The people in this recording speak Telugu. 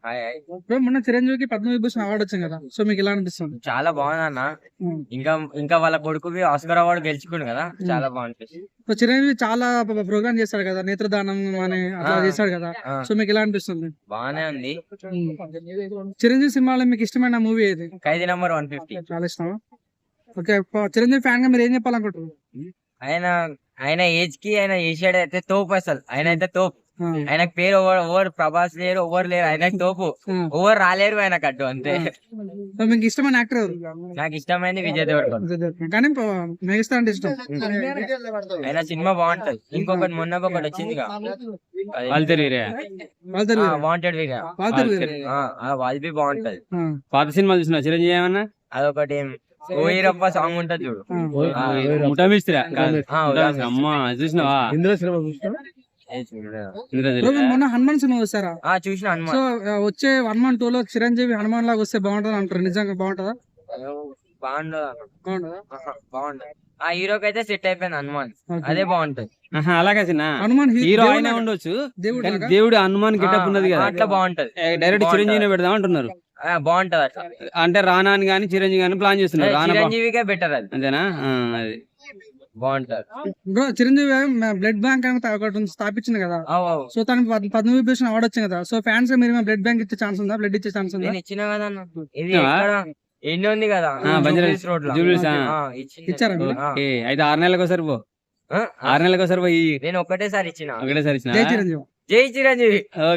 బ్రో మొన్న చిరంజీవికి పద్మవిభూషణ్ అవార్డు వచ్చింది కదా, సో మీకు ఎలా అనిపిస్తుంది? చాలా బాగుంది అన్న. ఉమ్. ఇంకా వాళ్ళ కొడుకుకి ఆస్కర్ అవార్డు గెలుచుకుండు కదా, చాలా బాగుంటుంది. సో చిరంజీవి చాలా ప్రోగ్రామ్ చేస్తాడు కదా, నేత్రదానం అని అట్లా చేస్తాడు కదా, ఆ, సో మీకు ఎలా అనిపిస్తుంది? బాగానే ఉంది. చిరంజీవి సినిమాలో మీకు ఇష్టమైన మూవీ ఏది? ఖైదీ నంబర్ 150. చాలా ఇష్టమా? ఓకే, చిరంజీవి ఫ్యాన్ గా మీరు ఏం చెప్పాలనుకుంటారు? ఆయన ఆయన ఏజ్ కి ఆయన చేసాడు అయితే తోపు, అసలు ఆయన అయితే తోపు. ఆ, ఆయనకు పేరు ఓవర్ ప్రభాస్ లేరు, ఓవర్ లేరు, ఆయనకు తోపు. ఆ. ఓవర్ రాలేరు ఆయనకు అడ్డు, అంతే. సో మీకు ఇష్టమైన యాక్టర్ ఎవరు? నాకు ఇష్టమైంది విజయ్ దేవరకొండ. కానీ మెగాస్టార్ అంటే ఇష్టం. ఆయన సినిమా బాగుంటది. ఇంకొకటి మొన్న ఒకటి వచ్చింది వాళ్ళిద్దరు వాంటెడ్ వీగా, వాళ్ళది బాగుంటది. పాత సినిమాలు చూసిన చిరంజీవి ఏమన్నా అదొకటి ఓయిరప్ప సాంగ్ ఉంటది చూడు. ముఠామిస్త్రా కాదు, ఆ, ముఠామిస్త్రా. అమ్మా చూసినావా? ఏ చూడలేదా? మొన్న హనుమాన్ సినిమా చూసారా? చూసిన సో హనుమాన్. వచ్చే హనుమాన్ 2 లో చిరంజీవి హనుమాన్ లాగా వస్తే బాగుంటది అంటారు, నిజంగా బాగుంటదా? బాగుండదు అన్న. బాగుంటదా? బాగుంటది. ఆ హీరోకి అయితే సెట్ అయిపోయింది హనుమాన్, Okay. అదే బాగుంటది. అలాగే చిన్న హనుమాన్ హీరో దేవుడు ఆయన లాగా- ఉండొచ్చు, దేవుడు కానీ లాగా? దేవుడు హనుమాన్ గెటప్ ఉన్నది కదా, అట్లా బాగుంటది. డైరెక్ట్ బాగుంటది. చిరంజీవిని పెడదాం అంటున్నారు. బాగుంటది అట్లా. అంటే రానా అని కానీ చిరంజీవి కానీ ప్లాన్ చేస్తున్నారు. రానా చిరంజీవికే బెటర్ అది, అంతేనా? అది బాగుంటది. బ్రో చిరంజీవి బ్లడ్ బ్యాంక్ అని ఒకటి స్థాపించింది కదా, అవు అవు. సో తనకి పద్మవిభూషణ్ అవార్డు వచ్చింది కదా, సో ఫ్యాన్స్ మీరు బ్లడ్ బ్యాంక్ ఇచ్చే ఛాన్స్ ఉందా? బ్లడ్ ఇచ్చే ఛాన్స్ ఉందా? నేను ఇచ్చిన కదా అన్న. ఇది ఇచ్చినావా? ఎక్కడ ఎన్ని ఉంది కదా, బంజారాహిల్స్ రోడ్ లో. జూబ్లీస్, ఇచ్చారా మీరు? ఓకే. అయితే 6 నెలలకు ఒకసారి పో, 6 నెలలకు ఒకసారి పోయి నేను ఒక్కటేసారి ఇచ్చిన. ఒకటేసారి ఇచ్చిన. జై చిరంజీవి. జై చిరంజీవి.